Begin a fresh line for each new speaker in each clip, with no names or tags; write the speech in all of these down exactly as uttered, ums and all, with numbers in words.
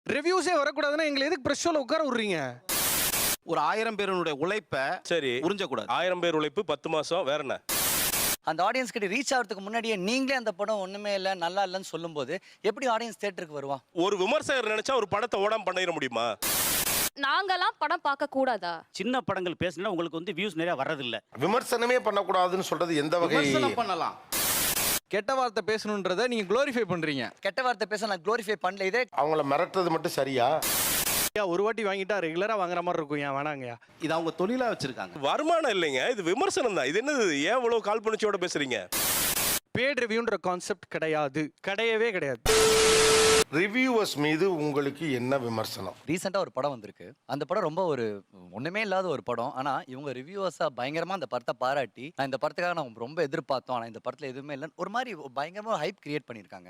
ரிவ்யூஸே வரக்கூடாதுன்னா எங்களை எதுக்கு பிரஸ் ஷோல உட்கார விடுறீங்க?
ஒரு ஆயிரம் பேருடைய உழைப்பை
சரி
உறிஞ்சக்கூடாது.
ஆயிரம் பேர் உழைப்பு பத்து மாசம் வேற என்ன?
அந்த ஆடியன்ஸ் கிட்ட ரீச் ஆகிறதுக்கு முன்னாடியே நீங்களே அந்த படம் ஒண்ணுமே இல்லை நல்லா இல்லைன்னு சொல்லும்போது எப்படி ஆடியன்ஸ் தியேட்டருக்கு வருவான்?
ஒரு விமர்சகர் நினைச்சா ஒரு படத்தை ஓடாம பண்ணிட முடியுமா?
நாங்கெல்லாம் படம் பார்க்க கூடாதா?
சின்ன படங்கள் பேசினா உங்களுக்கு வந்து வியூஸ் நிறைய வர்றதில்ல.
விமர்சனமே பண்ணக்கூடாதுன்னு சொல்றது எந்த வகை?
விமர்சனம் பண்ணலாம்.
கெட்ட வார்த்தை பேசணுன்றதை நீங்க குளோரிஃபை பண்றீங்க.
கெட்ட வார்த்தை பேச நான் குளோரிஃபை பண்ணல. இதே
அவங்கள மிரட்டுறது மட்டும் சரியா?
ஒரு வாட்டி வாங்கிட்டா ரெகுலரா வாங்குற மாதிரி இருக்கும். ஏன் வேணாங்கயா?
இது அவங்க தொழிலா வச்சிருக்காங்க.
வருமானம் இல்லைங்க, இது விமர்சனம் தான். இது என்னது? ஏன் இவ்வளவு கால் பண்ணிச்சோட பேசுறீங்க?
பேட் ரிவ்யூன்ற கான்செப்ட் கிடையாது, கிடையவே கிடையாது.
ரிவ்யூவர்ஸ் மீது உங்களுக்கு என்ன விமர்சனம்?
ரீசெண்டாக ஒரு படம் வந்திருக்கு. அந்த படம் ரொம்ப ஒரு ஒன்றுமே இல்லாத ஒரு படம். ஆனால் இவங்க ரிவ்யூவர்ஸாக பயங்கரமாக அந்த படத்தை பாராட்டி நான் இந்த படத்துக்காக நான் ரொம்ப எதிர்பார்த்தோம், ஆனால் இந்த படத்தில் எதுவுமே இல்லைன்னு ஒரு மாதிரி பயங்கரமாக ஹைப் கிரியேட் பண்ணியிருக்காங்க.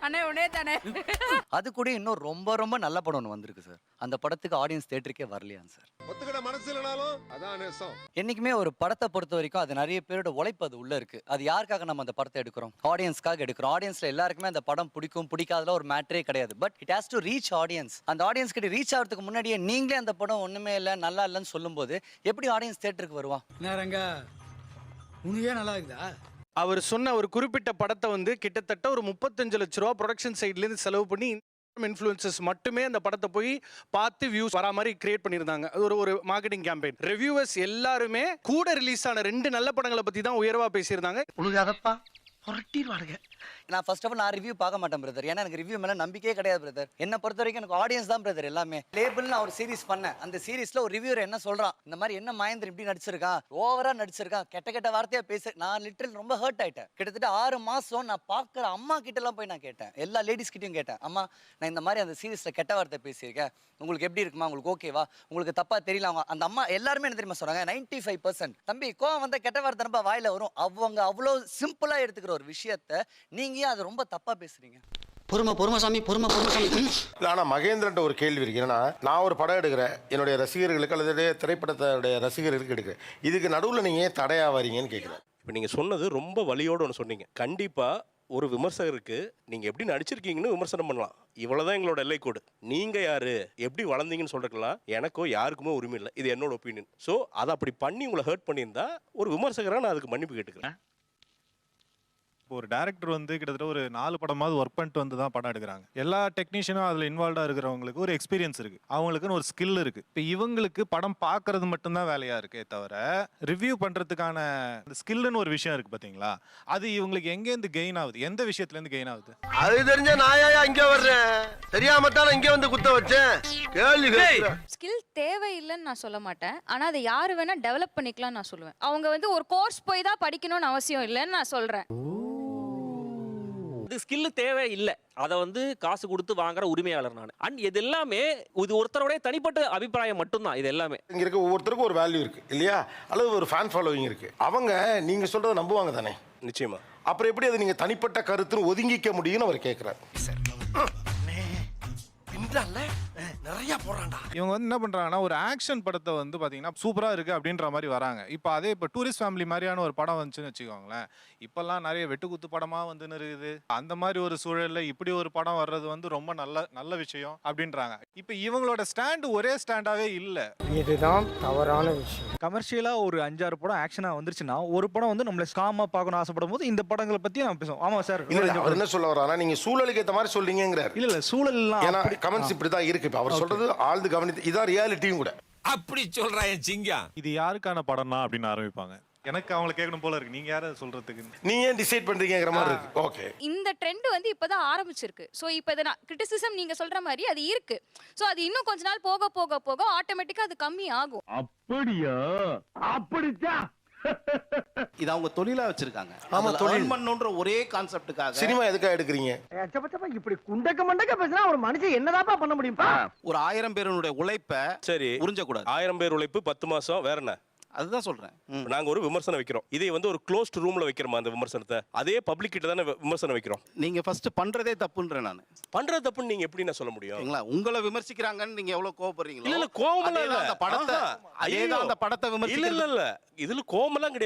அது கூட இன்னும் ரொம்ப ரொம்ப நல்ல படம் ஒன்று வந்திருக்கு சார். அந்த படத்துக்கு ஆடியன்ஸ் தேட்டருக்கே வரலையா சார்? என்னைக்குமே ஒரு படத்தை பொறுத்த வரைக்கும் அது நிறைய பேரோட உழைப்பு அது உள்ள இருக்கு. அது யாருக்காக நம்ம அந்த படத்தை எடுக்கிறோம்? ஆடியன்ஸ்க்காக எடுக்கிறோம். ஆடியன்ஸ்ல எல்லாருக்குமே அந்த படம் பிடிக்கும் பிடிக்காதல ஒரு மேட்டரே கிடையாது. But it has to reach audience. அந்த ஆடியன்ஸ் கிட்ட ரீச் ஆகிறதுக்கு முன்னாடியே நீங்களே அந்த படம் ஒண்ணுமே இல்லை நல்லா இல்லைன்னு சொல்லும்போது எப்படி ஆடியன்ஸ் தியேட்டருக்கு வருவான்?
நல்லா இருக்குதா?
அவர் சொன்ன ஒரு குறிப்பிட்ட படத்தை வந்து கிட்டத்தட்ட ஒரு முப்பத்தஞ்சு லட்ச ரூபா ப்ரொடக்ஷன் சைட்ல இருந்து செலவு பண்ணி இன்ஃப்ளூயன்சஸ் மட்டுமே அந்த படத்தை போய் பார்த்து வியூஸ் வரா மாதிரி கிரியேட் பண்ணியிருந்தாங்க. அது ஒரு ஒரு மார்க்கெட்டிங் கேம்பெயின். ரிவ்யூவர்ஸ் எல்லாருமே கூட ரிலீஸ் ஆன ரெண்டு நல்ல படங்களை பத்தி தான் உயர்வா பேசியிருந்தாங்க.
உழுகாதப்பா புரட்டிடுவானுங்க.
நான் ஃபர்ஸ்ட் ஆஃப் ஆல் நான் ரிவ்யூ பார்க்க மாட்டேன் பிரதர். ஏன்னா எனக்கு ரிவ்யூ மேலே நம்பிக்கையே கிடையாது பிரதர். என்ன பொறுத்த வரைக்கும் எனக்கு ஆடியன்ஸ் தான் பிரதர் எல்லாமே. லேபிள் நான் ஒரு சீரிஸ் பண்ணேன். அந்த சீரிஸ்ல ஒரு ரிவ்யூவர் என்ன சொல்றான், இந்த மாதிரி என்ன மகேந்திரன் இப்படி நடிச்சிருக்கான், ஓவரா நடிச்சிருக்கான், கெட்ட கெட்ட வார்த்தையா பேச, நான் லிட்டரல் ரொம்ப ஹர்ட் ஆயிட்டேன். கிட்டத்தட்ட ஆறு மாசம் நான் பார்க்குற அம்மா கிட்ட எல்லாம் போய் நான் கேட்டேன். எல்லா லேடிஸ் கிட்டையும் கேட்டேன், அம்மா நான் இந்த மாதிரி அந்த சீரிஸ்ல கெட்ட வார்த்தை பேசியிருக்கேன், உங்களுக்கு எப்படி இருக்குமா, உங்களுக்கு ஓகேவா, உங்களுக்கு தப்பா தெரியல. அவங்க அந்த அம்மா எல்லாருமே என்ன தெரியுமா சொல்றாங்க, நைன்டி ஃபைவ் பர்சன்ட் தம்பி கோவம் வந்த கெட்ட வார்த்தை ரொம்ப வாயில வரும். அவங்க அவ்வளோ சிம்பிளா எடுத்துக்கிற ஒரு விஷயத்த நீங்க அது ரொம்ப தப்பா பேசுறீங்க.
பொறுமை பொறுமை சாமி பொறுமை பொறுமை சாமி.
ஆனா மகேந்திரன் ஒரு கேள்வி இருக்கு. என்னன்னா நான் ஒரு படம் எடுக்கிறேன், என்னுடைய ரசிகர்களுக்கு அல்லது திரைப்படத்துடைய ரசிகர்களுக்கு எடுக்கிறேன், இதுக்கு நடுவில் நீங்க ஏன் தடையா வரீங்கன்னு கேட்குறேன்.
இப்போ நீங்க சொன்னது ரொம்ப வலியோடு ஒன்று சொன்னீங்க. கண்டிப்பா ஒரு விமர்சகருக்கு நீங்க எப்படி நடிச்சிருக்கீங்கன்னு விமர்சனம் பண்ணலாம். இவ்வளவுதான் எங்களோட எல்லை கோடு. நீங்க யாரு, எப்படி வளர்ந்தீங்கன்னு சொல்றதுலாம் எனக்கோ யாருக்குமே உரிமை இல்லை. இது என்னோட ஒப்பீனியன். ஸோ அதை அப்படி பண்ணி உங்களை ஹர்ட் பண்ணியிருந்தா ஒரு விமர்சகராக நான் அதுக்கு மன்னிப்பு கேட்டுக்கிறேன்.
ஒரு டேரக்டர் வந்து கிட்டத்தட்ட ஒரு நாலு படமாவது ஒர்க் பண்ணிட்டு வந்து தான் படம் எடுக்கிறாங்க. எல்லா டெக்னீஷியனும் அதில் இன்வால்வ்டாக இருக்கிறவங்களுக்கு ஒரு எக்ஸ்பீரியன்ஸ் இருக்கு, அவங்களுக்குன்னு ஒரு ஸ்கில் இருக்கு. இப்போ இவங்களுக்கு படம் பார்க்கறது மட்டும்தான் வேலையா இருக்கே தவிர ரிவ்யூ பண்றதுக்கான ஸ்கில்னு ஒரு விஷயம் இருக்கு பாத்தீங்களா, அது இவங்களுக்கு எங்கேருந்து கெயின் ஆகுது, எந்த விஷயத்துல இருந்து கெயின் ஆகுது?
அது தெரிஞ்ச நாயா இங்க வர்றேன், தெரியாம தான் இங்க வந்து குத்த வச்சேன். கேள்வி
ஸ்கில் தேவையில்லைன்னு நான் சொல்ல மாட்டேன். ஆனா அதை யாரு வேணா டெவலப் பண்ணிக்கலாம் நான் சொல்லுவேன். அவங்க வந்து ஒரு கோர்ஸ் போய் தான் படிக்கணும்னு அவசியம் இல்லைன்னு நான் சொல்றேன்.
ஸ்கில் தேவை இல்லை, அதை வந்து காசு கொடுத்து வாங்குற உரிமையாளர் நான். அண்ட் இது எல்லாமே இது ஒருத்தருடைய தனிப்பட்ட அபிப்பிராயம் மட்டும்தான். இது எல்லாமே
இங்க இருக்க ஒவ்வொருத்தருக்கும் ஒரு வேல்யூ இருக்கு இல்லையா, அல்லது ஒரு ஃபேன் ஃபாலோவிங் இருக்கு. அவங்க நீங்க சொல்றதை நம்புவாங்க தானே?
நிச்சயமா.
அப்புறம் எப்படி அது நீங்க தனிப்பட்ட கருத்துன்னு ஒதுங்கிக்க முடியும்னு அவர் கேட்கிறார்.
நிறைய போறான்டா.
இவங்க வந்து என்ன பண்றாங்கன்னா ஒரு ஆக்ஷன் படத்தை வந்து பாத்தீங்கன்னா சூப்பரா இருக்கு அப்படின்ற மாதிரி வராங்க. இப்போ அதே இப்போ டூரிஸ்ட் ஃபேமிலி மாதிரியான ஒரு படம் வந்துச்சுன்னு வச்சுக்கோங்களேன், இப்பெல்லாம் நிறைய வெட்டுக்குத்து படமா வந்துன்னு இருக்குது. அந்த மாதிரி ஒரு சூழல்ல இப்படி ஒரு படம் வர்றது வந்து ரொம்ப நல்ல நல்ல விஷயம் அப்படின்றாங்க. இப்போ இவங்களோட ஸ்டாண்டு ஒரே ஸ்டாண்டாவே இல்லை.
இதுதான் தவறான விஷயம்.
கமர்ஷியலா ஒரு அஞ்சாறு படம் ஆக்ஷனா வந்துருச்சுன்னா ஒரு படம் வந்து நம்மள ஸ்காமா பார்க்கணும் ஆசைப்படும் போது இந்த படங்களை பத்தி நம்ம பேசுவோம். ஆமா சார்,
அவர் என்ன சொல்ல வர்றாருன்னா நீங்க சூழலுக்கு ஏற்ற மாதிரி சொல்றீங்கிறார்.
இல்ல இல்ல சூழல்லாம்
ஏன்னா கமெண்ட்ஸ் இப்படிதான் இருக்கு. இப்ப அவர் சொல்றது ஆழ்ந்து கவனித்து இதான் ரியாலிட்டியும் கூட.
அப்படி சொல்றான் சிங்கம்.
இது யாருக்கான படம்னா அப்படின்னு ஆரம்பிப்பாங்க. எனக்கு அவங்களை கேட்கணும் போல இருக்கு, நீங்க யாரை சொல்றதுக்கு,
நீங்க ஏன் டிசைட் பண்றீங்கங்கிற மாதிரி இருக்கு. ஓகே,
இந்த ட்ரெண்ட் வந்து இப்பதான் ஆரம்பிச்சிருக்கு. சோ இப்போ இத கிரிட்டிசிசம் நீங்க சொல்ற மாதிரி அது இருக்கு. சோ அது இன்னும் கொஞ்ச நாள் போக போக போக ஆட்டோமேட்டிக்கா அது கம்மி ஆகும்.
அப்படியா? அப்படிதான்
இது அவங்க தொழிலா வச்சிருக்காங்க.
ஆமா, தொழில்
பண்ணணும்ன்ற ஒரே கான்செப்டுக்காக.
சினிமா எதுக்காக எடுக்கிறீங்க?
இப்படி குண்டக்க மண்டக்க பேசினா ஒரு மனுஷன் என்னதாப்பா பண்ண முடியும்பா?
ஒரு ஆயிரம் பேருடைய உழைப்பை
சரி
உறிஞ்சக்கூடாது.
ஆயிரம் பேர் உழைப்பு பத்து மாசம் வேற என்ன?
அதுதான் சொல்றேன்.
நாங்க ஒரு விமர்சனம் வைக்கிறோம், இதை வந்து ஒரு க்ளோஸ்ட் ரூம்ல வைக்கிறோமா அந்த விமர்சனத்தை? அதே பப்ளிக் கிட்ட தானே விமர்சனம் வைக்கிறோம்.
நீங்க ஃபர்ஸ்ட் பண்றதே தப்புன்றேன் நான்.
பண்றது தப்புன்னு நீங்க எப்படி நான் சொல்ல முடியும்?
உங்களை விமர்சிக்கிறாங்கன்னு நீங்க எவ்வளவு கோவப்படுறீங்களோ?
இல்ல இல்ல கோவம் இல்ல,
அந்த படத்தை அதேதான் அந்த படத்தை
இல்ல
விமர்சிக்கிறது.
இல்ல இல்ல இதுல கோவம் எல்லாம் கிடையாது.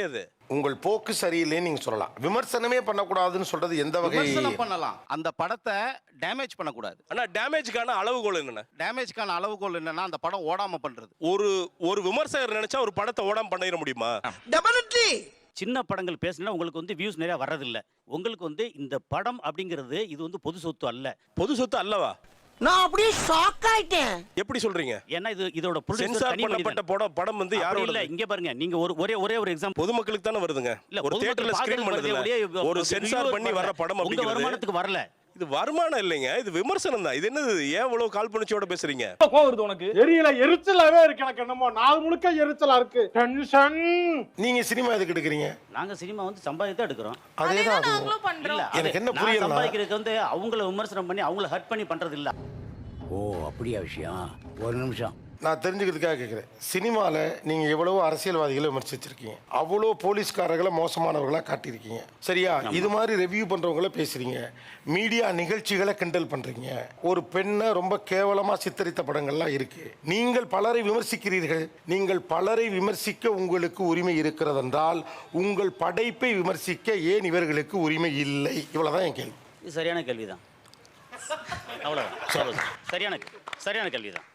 உங்கள் போக்கு சரியில்லைன்னு நீங்க சொல்லலாம். விமர்சனமே பண்ணக்கூடாதுன்னு சொல்றது எந்த வகை?
விமர்சனம் பண்ணலாம், அந்த படத்தை டேமேஜ் பண்ணக்கூடாது.
ஆனா டேமேஜ்க்கான அளவுகோல் என்னென்ன?
டேமேஜ்க்கான அளவுகோல் என்னன்னா அந்த படம் ஓடாம பண்றது.
ஒரு ஒரு விமர்சகர் நினைச்சா ஒரு படத்தை ஓடாம பண்ணிட முடியுமா?
டெபினெட்லி.
சின்ன படங்கள் பேசினா உங்களுக்கு வந்து வியூஸ் நிறைய வர்றதில்ல. உங்களுக்கு வந்து இந்த படம் அப்படிங்கிறது இது வந்து பொது சொத்து அல்ல.
பொது சொத்து அல்லவா?
நான் அப்படியே ஷாக் ஆயிட்டேன்.
எப்படி சொல்றீங்க?
ஏன்னா இது இதோட
சென்சார் பண்ணப்பட்ட படம் படம் வந்து யாரோட
இல்ல. இங்க பாருங்க, நீங்க ஒரு ஒரே ஒரே ஒரு எக்ஸாம்பிள்.
பொதுமக்களுக்கு தானே வருதுங்க.
இல்ல,
ஒரு தியேட்டர்ல ஸ்கிரீன் பண்ணுது, ஒரு சென்சார் பண்ணி வர படம்
உங்க
அப்படிங்கிறது
வருமானத்துக்கு வரல.
இது வருமானம் இல்லைங்க, இது விமர்சனம் தான். இது என்னது? ஏன் இவ்வளவு கால்பனிச்சோட பேசுறீங்க?
கோவம் வருது உனக்கு?
தெரியல, எரிச்சலாவே இருக்கு எனக்கு. என்னமோ நாள் முழுக்க எரிச்சலா இருக்கு. டென்ஷன்.
நீங்க சினிமா எதுக்கு எடுக்கிறீங்க?
நாங்க சினிமா வந்து சம்பாதித்து எடுக்கிறோம்.
அதேதான் அது.
இல்ல,
எனக்கு என்ன
நான்
புரியல,
சம்பாதிக்கிறதுக்கு வந்து அவங்கள விமர்சனம் பண்ணி அவங்கள ஹர்ட் பண்ணி பண்றது இல்ல.
ஓ அப்படியா விஷயம்? ஒரு நிமிஷம்
நான் தெரிஞ்சுக்கிறதுக்காக கேட்குறேன். சினிமாவில் நீங்கள் எவ்வளவோ அரசியல்வாதிகளை விமர்சிச்சிருக்கீங்க, அவ்வளோ போலீஸ்காரர்களை மோசமானவர்களாக காட்டியிருக்கீங்க, சரியா? இது மாதிரி ரெவ்யூ பண்ணுறவங்கள பேசுகிறீங்க, மீடியா நிகழ்ச்சிகளை கிண்டல் பண்ணுறீங்க, ஒரு பெண்ணை ரொம்ப கேவலமாக சித்தரித்த படங்கள்லாம் இருக்குது. நீங்கள் பலரை விமர்சிக்கிறீர்கள். நீங்கள் பலரை விமர்சிக்க உங்களுக்கு உரிமை இருக்கிறதென்றால் உங்கள் படைப்பை விமர்சிக்க ஏன் இவர்களுக்கு உரிமை இல்லை? இவ்வளோதான் என் கேள்வி.
இது சரியான கேள்விதான். அவ்வளவுதான். சரியான சரியான கேள்விதான்.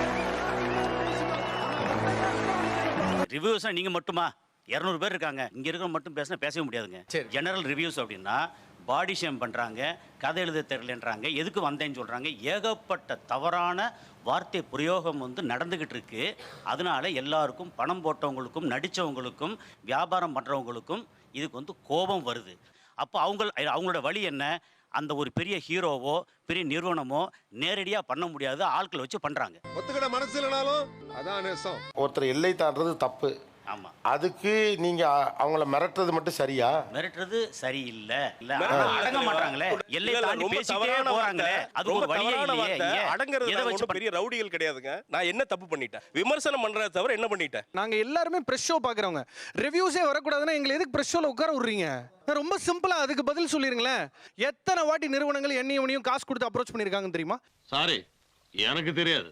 ரிவ்யூஸ் நீங்க மட்டுமா? இருநூறு பேர் இருக்காங்க, இங்க இருக்கிற மட்டும் பேசினா பேசவே முடியாதுங்க. ஜெனரல் ரிவ்யூஸ் அப்படின்னா பாடி ஷேம் பண்றாங்க, கதை எழுத தெரியலன்றாங்க, எதுக்கு வந்தேன்னு சொல்றாங்க, ஏகப்பட்ட தவறான வார்த்தை பிரயோகம் வந்து நடந்துகிட்டு இருக்கு. அதனால எல்லாருக்கும், பணம் போட்டவங்களுக்கும், நடிச்சவங்களுக்கும், வியாபாரம் பண்றவங்களுக்கும் இதுக்கு வந்து கோபம் வருது. அப்போ அவங்க அவங்களோட வழி என்ன? அந்த ஒரு பெரிய ஹீரோவோ பெரிய நிறுவனமோ நேரடியா பண்ண முடியாது, ஆட்களை வச்சு பண்றாங்க.
ஒத்துக்கிட மனசு இல்லனாலும் அதான் நேசம்.
ஒருத்தர் எல்லை தாண்டது தப்பு.
ஆமா.
அதுக்கு நீங்க அ- அவங்கள மிரட்டுறது மட்டும் சரியா?
மிரட்டுறது சரியில்லை. இல்ல,
மிரட்டுறது
ஆனா அடங்க மாட்டாங்களே, எல்லை
இல்ல,
தாண்டி
ரொம்ப
பேசிட்டே
தவறான
போறாங்களே,
வார்த்தை.
அது
ரொம்ப
ஒரு வழியே
தவறான
இல்லையே.
வார்த்தை.
ஏன்?
அடங்குறது
எதை
நாங்க
வச்சு
ஒண்ணும் பெரிய ரவுடிகள் கிடையாதுங்க. நான் என்ன தப்பு பண்ணிட்டேன்? விமர்சனம் பண்றத தவிர என்ன பண்ணிட்டேன்?
நாங்க எல்லாருமே பிரஷ் ஷோ பாக்குறவங்க. ரிவ்யூஸே வரக்கூடாதுன்னா எங்களை எதுக்கு பிரஷ் ஷோல உட்கார விடுறீங்க? ரொம்ப சிம்பிளா அதுக்கு பதில் சொல்லிருங்களேன். எத்தனை வாட்டி நிறுவனங்கள் என்னையும் உன்னையும் காசு கொடுத்து அப்ரோச் பண்ணிருக்காங்கன்னு தெரியுமா?
சாரி, எனக்கு தெரியாது.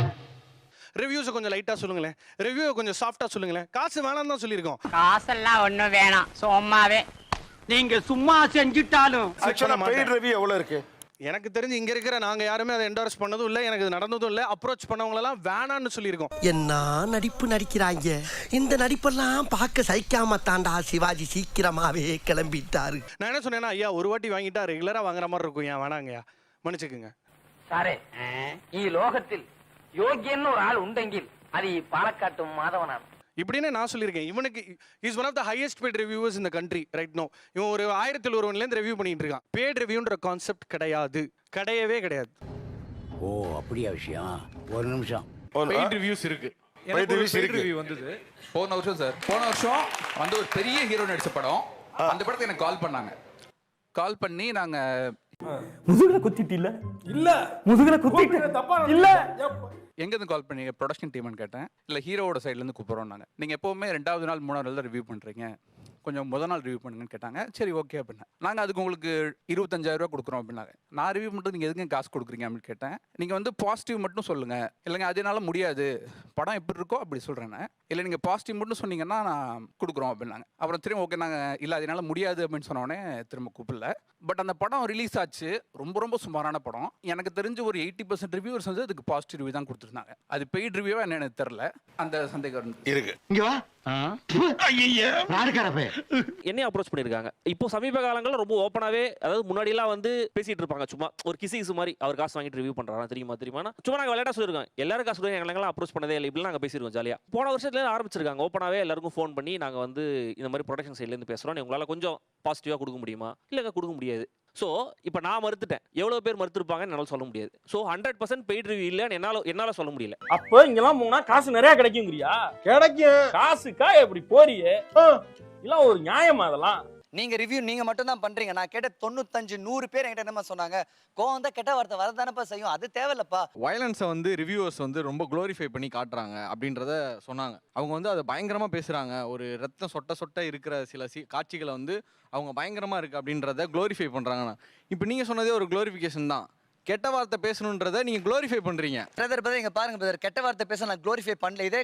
ரிவ்யூஸை கொஞ்சம் லைட்டா சொல்லுங்களேன், ரிவ்யூவை கொஞ்சம் சாஃப்டா சொல்லுங்களேன். காசு வேணாம் தான் சொல்லியிருக்கோம்.
காசெல்லாம் ஒண்ணும் வேணாம், சும்மாவே நீங்க சும்மா செஞ்சுட்டாலும்.
ஆக்சுவலா பெய்ட் ரிவ்யூ எவ்வளவு இருக்கு?
எனக்கு தெரிஞ்சு இங்க இருக்கிற நாங்க யாருமே அதை என்டோர்ஸ் பண்ணதும் இல்ல, எனக்கு இது நடந்ததும் இல்ல. அப்ரோச் பண்ணவங்க எல்லாம் வேணான்னு சொல்லியிருக்கோம்.
என்ன நடிப்பு நடிக்கிறாங்க. இந்த நடிப்பெல்லாம் பார்க்க சகிக்காம தாண்டா சிவாஜி சீக்கிரமாவே கிளம்பிட்டாரு.
நான் என்ன சொன்னேன்னா, ஐயா ஒரு வாட்டி வாங்கிட்டா ரெகுலரா வாங்குற மாதிரி இருக்கும், ஏன் வேணாங்கய்யா, மன்னிச்சுக்குங்க.
சாரே, ഈ ലോകത്തിൽ யோகியன்னு ஒரு ஆள் உண்டெங்கில் அது பாலக்காட்டு மாதவனான்
இப்படின்னு நான் சொல்லியிருக்கேன். இவனுக்கு is one of the highest paid reviewers இந்த கண்ட்ரி ரைட் நோ. இவன் ஒரு ஆயிரத்தி ஒருவன்லேருந்து ரிவ்யூ பண்ணிட்டு இருக்கான். பெய்ட் ரிவ்யூன்ற கான்செப்ட் கிடையாது, கிடையவே கிடையாது.
ஓ அப்படியா விஷயம்? ஒரு நிமிஷம்
பெய்ட் ரிவ்யூஸ் இருக்கு.
Paid
எனக்கு ஒரு
reviews
paid
இருக்கு.
review வந்தது போன வருஷம் சார். போன வருஷம் வந்து ஒரு பெரிய ஹீரோ நடிச்ச படம். அந்த படத்தை எனக்கு கால் பண்ணாங்க. கால் பண்ணி நாங்க
முதுகுல குத்திட்டு இல்ல இல்ல முதுகுல குத்திட்டு தப்பா இல்ல.
எங்க இருந்து கால் பண்ணீங்க? ப்ரொடக்ஷன் டீம்னு கேட்டேன். இல்ல ஹீரோவோட சைடுல இருந்து கூப்பிடுறோம் நாங்க. நீங்க எப்பவுமே ரெண்டாவது நாள் மூணாவது நாள் தான் ரிவ்யூ பண்றீங்க, கொஞ்சம் முதல் நாள் ரிவ்யூ பண்ணுங்கன்னு கேட்டாங்க. சரி ஓகே அப்படின்னா, நாங்கள் அதுக்கு உங்களுக்கு இருபத்தஞ்சாயிரம் ரூபா கொடுக்குறோம் அப்படின்னாங்க. நான் ரிவ்யூ மட்டும் நீங்கள் எதுக்கு காசு கொடுக்குறீங்க அப்படின்னு கேட்டேன். நீங்கள் வந்து பாசிட்டிவ் மட்டும் சொல்லுங்கள். இல்லைங்க அதனால முடியாது, படம் எப்படி இருக்கோ அப்படி சொல்கிறேன். இல்லை நீங்கள் பாசிட்டிவ் மட்டும் சொன்னீங்கன்னா நான் கொடுக்குறோம் அப்படின்னாங்க. அப்புறம் திரும்ப ஓகே நாங்கள் இல்லை அதனால முடியாது அப்படின்னு சொன்னோடனே திரும்ப கூப்பிடல. பட் அந்த படம் ரிலீஸ் ஆச்சு, ரொம்ப ரொம்ப சுமாரான படம். எனக்கு தெரிஞ்சு ஒரு எயிட்டி பர்சன்ட் ரிவ்யூவர்ஸ் வந்து அதுக்கு பாசிட்டிவ் ரிவ்யூ தான் கொடுத்துருந்தாங்க. அது பெய்ட் ரிவ்யூவா என்ன எனக்கு தெரியல. அந்த சந்தேகம்
இருக்கு.
இங்க வா.
என்னையும் அப்ரோச் பண்ணிருக்காங்க. இப்போ சமீப காலங்களில் ரொம்ப ஓப்பனாவே, அதாவது முன்னாடி எல்லாம் வந்து பேசிட்டு இருப்பாங்க சும்மா ஒரு கிசி கிசு மாதிரி, அவர் காசு வாங்கிட்டு ரிவ்யூ பண்றாரா தெரியுமா தெரியுமா, சும்மா நாங்க விளையாட சொல்லிருக்கோம். எல்லாரும் காசு கொடுங்க, எங்களெல்லாம் அப்ரோச் பண்ணதே இல்லை, இப்படி நாங்க பேசிருக்கோம் ஜாலியா. போன வருஷத்துல ஆரம்பிச்சிருக்காங்க ஓப்பனாவே எல்லாருக்கும் ஃபோன் பண்ணி, நாங்க வந்து இந்த மாதிரி ப்ரொடக்ஷன் சைட்ல இருந்து பேசுறோம், உங்களால கொஞ்சம் பாசிட்டிவா கொடுக்க முடியுமா? இல்லங்க கொடுக்க முடியாது. ஸோ இப்போ நான் மறுத்துட்டேன், எவ்வளோ பேர் மறுத்துருப்பாங்கன்னு என்னால் சொல்ல முடியாது. So hundred percent paid review இல்லைன்னு என்னால் என்னால் சொல்ல முடியல.
அப்போ இங்கெல்லாம் போனா காசு நிறைய கிடைக்குங்கிறியா? கிடைக்கும். காசுக்கா எப்படி போறியே? இதெல்லாம் ஒரு நியாயமா? அதெல்லாம்
நீங்க ரிவ்யூ நீங்க மட்டும் தான் பண்றீங்க. நான் கேட்ட தொண்ணூத்தஞ்சு நூறு பேர் என்கிட்ட என்னமா சொன்னாங்க, கோவம் தான் கெட்ட வார்த்தை வரதானப்பா செய்யும், அது தேவையில்லப்பா.
வயலன்ஸை வந்து ரிவ்யூவர்ஸ் வந்து ரொம்ப க்ளோரிஃபை பண்ணி காட்டுறாங்க அப்படின்றத சொன்னாங்க. அவங்க வந்து அதை பயங்கரமாக பேசுகிறாங்க. ஒரு ரத்தம் சொட்ட சொட்ட இருக்கிற சில சி காட்சிகளை வந்து அவங்க பயங்கரமாக இருக்குது அப்படின்றத க்ளோரிஃபை பண்ணுறாங்கண்ணா. இப்போ நீங்கள் சொன்னதே ஒரு க்ளோரிஃபிகேஷன் தான். கெட்ட வார்த்தை பேசணுன்றதை நீங்கள் க்ளோரிஃபை பண்ணுறீங்க.
பிரதர் பிரதர் இங்க பாருங்க பிரதர், கெட்ட வார்த்தை பேச நான் க்ளோரிஃபை பண்ணல. இதே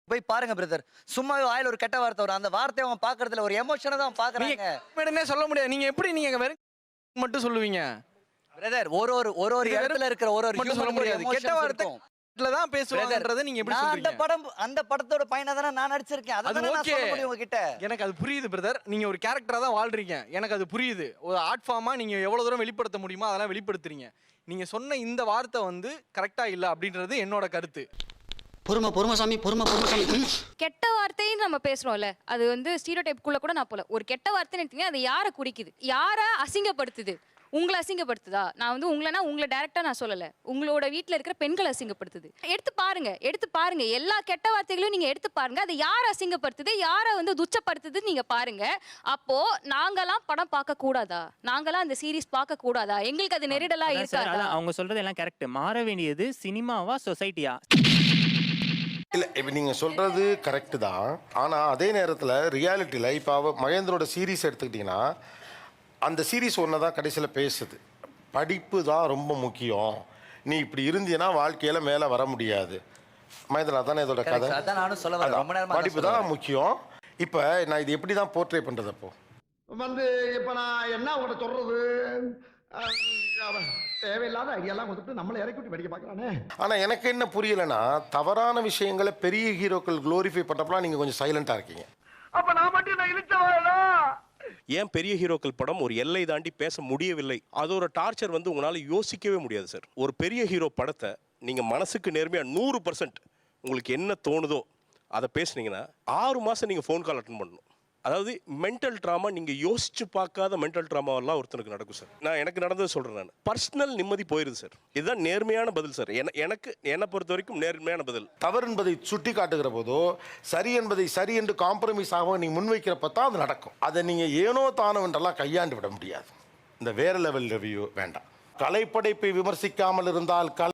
போய் பாருங்க பிரதர். சும்மாவே வாயில ஒரு கெட்ட வார்த்தை வரும். அந்த வார்த்தையை அவன் பாக்குறதுல ஒரு எமோஷனை தான் பாக்குறாங்க.
உடனே சொல்ல முடியாது. நீங்க எப்படி நீங்க வெறும் மட்டும் சொல்லுவீங்க
பிரதர்? ஒரு ஒரு ஒரு ஒரு இடத்துல இருக்கிற ஒரு ஒரு
மட்டும் சொல்ல முடியாது. கெட்ட வார்த்தை தான் பேசுவாங்கன்றதை நீங்க எப்படி சொல்றீங்க?
அந்த படம் அந்த படத்தோட பையனா தானே நான் நடிச்சிருக்கேன். அத நான் சொல்ல முடியும் உங்ககிட்ட.
எனக்கு அது புரியுது பிரதர். நீங்க ஒரு கேரக்டரா தான் வாழ்றீங்க. எனக்கு அது புரியுது. ஒரு ஆர்ட் ஃபார்மா நீங்க எவ்வளவு தூரம் வெளிப்படுத்த முடியுமோ அதெல்லாம் வெளிப்படுத்துறீங்க. நீங்க சொன்ன இந்த வார்த்தை வந்து கரெக்டா இல்ல அப்படின்றது என்னோட கருத்து.
பொறுமை பொறுமை சாமி பொறுமை பொறுமை சாமி.
கெட்ட வார்த்தைன்னு நம்ம பேசுறோம்ல, அது வந்து ஸ்டீரியோடைப் குள்ள கூட நான் போல. ஒரு கெட்ட வார்த்தைன்னு எடுத்தீங்க, அது யாரை குறிக்குது, யாரை அசிங்கப்படுத்துது? உங்களை அசிங்கப்படுத்துதா? நான் வந்து உங்களனா உங்களை டைரக்டா நான் சொல்லல, உங்களோட வீட்ல இருக்கிற பெண்களை அசிங்கப்படுத்துது. எடுத்து பாருங்க, எடுத்து பாருங்க, எல்லா கெட்ட வார்த்தைகளையும் நீங்க எடுத்து பாருங்க. அது யாரை அசிங்கப்படுத்துது, யாரை வந்து துச்சப்படுத்துது நீங்க பாருங்க. அப்போ நாங்கெல்லாம் படம் பார்க்க கூடாதா? நாங்கெல்லாம் அந்த சீரிஸ் பார்க்க கூடாதா? எங்களுக்கு அது நெருடலா இருக்காதா?
அவங்க சொல்றது எல்லாம் கரெக்ட். மாற வேண்டியது சினிமாவா சொசைட்டியா?
இல்லை இப்போ நீங்கள் சொல்கிறது கரெக்டு தான். ஆனால் அதே நேரத்தில் ரியாலிட்டியில் இப்போ அவ மகேந்திரோட சீரீஸ் எடுத்துக்கிட்டிங்கன்னா அந்த சீரீஸ் ஒன்று தான் கடைசியில் பேசுது. படிப்பு தான் ரொம்ப முக்கியம், நீ இப்படி இருந்தீன்னா வாழ்க்கையில் மேலே வர முடியாது. மகேந்திரா தானே இதோட கதை.
அதான் நானும் சொல்ல வரேன். ரொம்ப நேரமா
படிப்பு தான் முக்கியம். இப்போ நான் இது எப்படி தான் போர்ட்ரே பண்ணுறது? அப்போ
வந்து இப்ப நான் என்ன உங்கள்கிட்ட சொல்றது? தேவையில்லாத ஐடியாலாம் கொடுத்துட்டு நம்மளை இறக்கி விட்டு படிக்க பார்க்கறானே.
ஆனால் எனக்கு என்ன புரியலைன்னா, தவறான விஷயங்களை பெரிய ஹீரோக்கள் க்ளோரிஃபை பண்ணுறப்பலாம் நீங்கள் கொஞ்சம் சைலண்டாக இருக்கீங்க.
அப்ப நான் மட்டும் நான் இழுச்சவாடா.
ஏன் பெரிய ஹீரோக்கள் படம் ஒரு எல்லை தாண்டி பேச முடியவில்லை? அதோட டார்ச்சர் வந்து உங்களால் யோசிக்கவே முடியாது சார். ஒரு பெரிய ஹீரோ படத்தை நீங்கள் மனசுக்கு நேர்மையாக நூறு பர்சன்ட் உங்களுக்கு என்ன தோணுதோ அதை பேசுனீங்கன்னா ஆறு மாதம் நீங்கள் ஃபோன் கால் அட்டன் பண்ணணும். அதாவது மென்டல் ட்ராமா, நீங்கள் யோசிச்சு பார்க்காத மென்டல் ட்ராமாவெல்லாம் ஒருத்தனுக்கு நடக்கும் சார். நான் எனக்கு நடந்தது சொல்கிறேன். நான் பர்சனல் நிம்மதி போயிருது சார். இதுதான் நேர்மையான பதில் சார். என எனக்கு என்னை பொறுத்த வரைக்கும் நேர்மையான பதில்.
தவறு என்பதை சுட்டி காட்டுகிற போதோ, சரி என்பதை சரி என்று காம்ப்ரமைஸ் ஆக நீ முன்வைக்கிறப்ப தான் அது நடக்கும். அதை நீங்கள் ஏனோ தானோ என்றெல்லாம் கையாண்டு விட முடியாது. இந்த வேற லெவல் ரிவ்யூ வேண்டாம். கலைப்படைப்பை விமர்சிக்காமல் இருந்தால் கலை